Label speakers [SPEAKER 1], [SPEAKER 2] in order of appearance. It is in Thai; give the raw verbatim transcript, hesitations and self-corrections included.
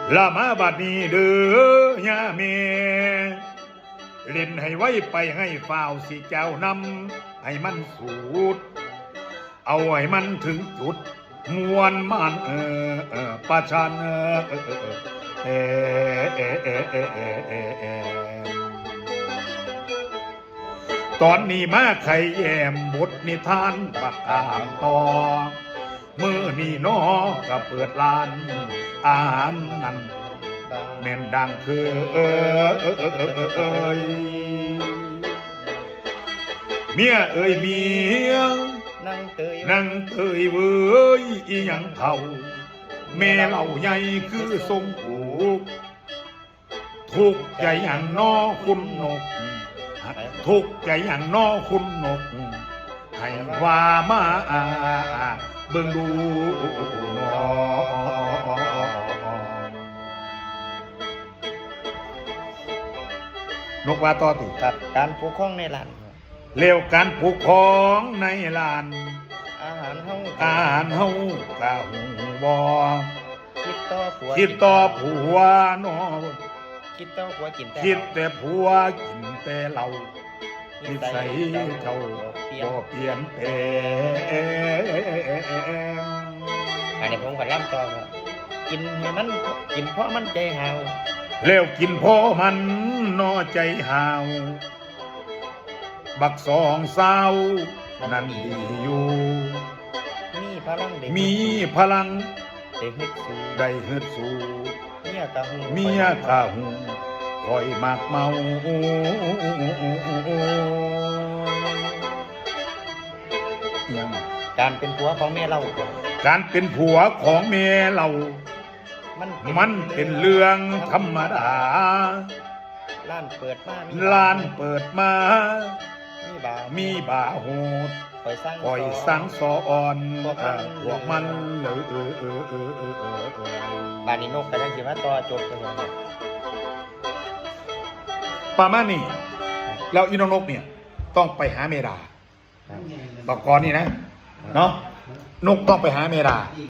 [SPEAKER 1] ละมาบัดนี้เด้อยาเมเล่นให้ไว้ไปให้ฝ่าวสิเจ้านำให้มันสูดเอาให้มันถึงจุดมวนมันเออเออประชันเออเออเออเออเออเออเออเออเออตอนนี้มาไข่แยมบทนิทานประกามต่อมือนี่นอก็เปิดร้านอาหารนั่นแม่นดังคือเออเออเออเออเออเอยเมียเอ้ยเมีย
[SPEAKER 2] นั่งเตย
[SPEAKER 1] นั่งเตยเว้ยอีหยังเท่าแม่เหล่าใหญ่คือทรงผูกทุกใจอย่างนอคุณนกทุกใจอย่างนอคุณนกให้ว่ามาเบิ่งดูนกว่าต่อติ
[SPEAKER 2] กับการปกครองในร้าน
[SPEAKER 1] เร็วการปกครองในลาน
[SPEAKER 2] อาหารเฮา
[SPEAKER 1] อาหารเฮากะหูบอ
[SPEAKER 2] คิดต่อผัว
[SPEAKER 1] คิดต่อผัวนอ
[SPEAKER 2] คิดต่อผัวกินแต่
[SPEAKER 1] คิดแต่ผัวกินแต่เรานิสัยเจ้าบ่เปลี่ยนแปลง
[SPEAKER 2] อันนี้ผมก็ล่ำต่อกินให้มันกินเพราะมันใจหาว
[SPEAKER 1] แล้วกินเพราะมันนอใจหาวบักสองสาวนั่นดีอยู่
[SPEAKER 2] มีพลัง
[SPEAKER 1] มีพลัง
[SPEAKER 2] ได้ฮึดสู้
[SPEAKER 1] ได้ฮึดสู้
[SPEAKER 2] เมียกะหู
[SPEAKER 1] เมียกะหูคอยมากเมา
[SPEAKER 2] การเป็นผัวของแม่เรา
[SPEAKER 1] การเป็นผัวของแม่เรามันมันเป็นเรื่องธรรมดา
[SPEAKER 2] ร้านเปิดมา
[SPEAKER 1] ร้านเปิดมา
[SPEAKER 2] มีบา
[SPEAKER 1] มีบาโหด
[SPEAKER 2] ปล่อยสร้าง
[SPEAKER 1] ปล่อยสร้างสอนพวกมันเลยเออเออเออเออเออเอ
[SPEAKER 2] อบานนี้นกแต่ยังคิดว่าต่อจบกันยัง
[SPEAKER 1] ประมาณนี้แล้วอีน้องนกเนี่ยต้องไปหาเมดาบอกก่อนนี่นะเนาะนกต้องไปหาเมดา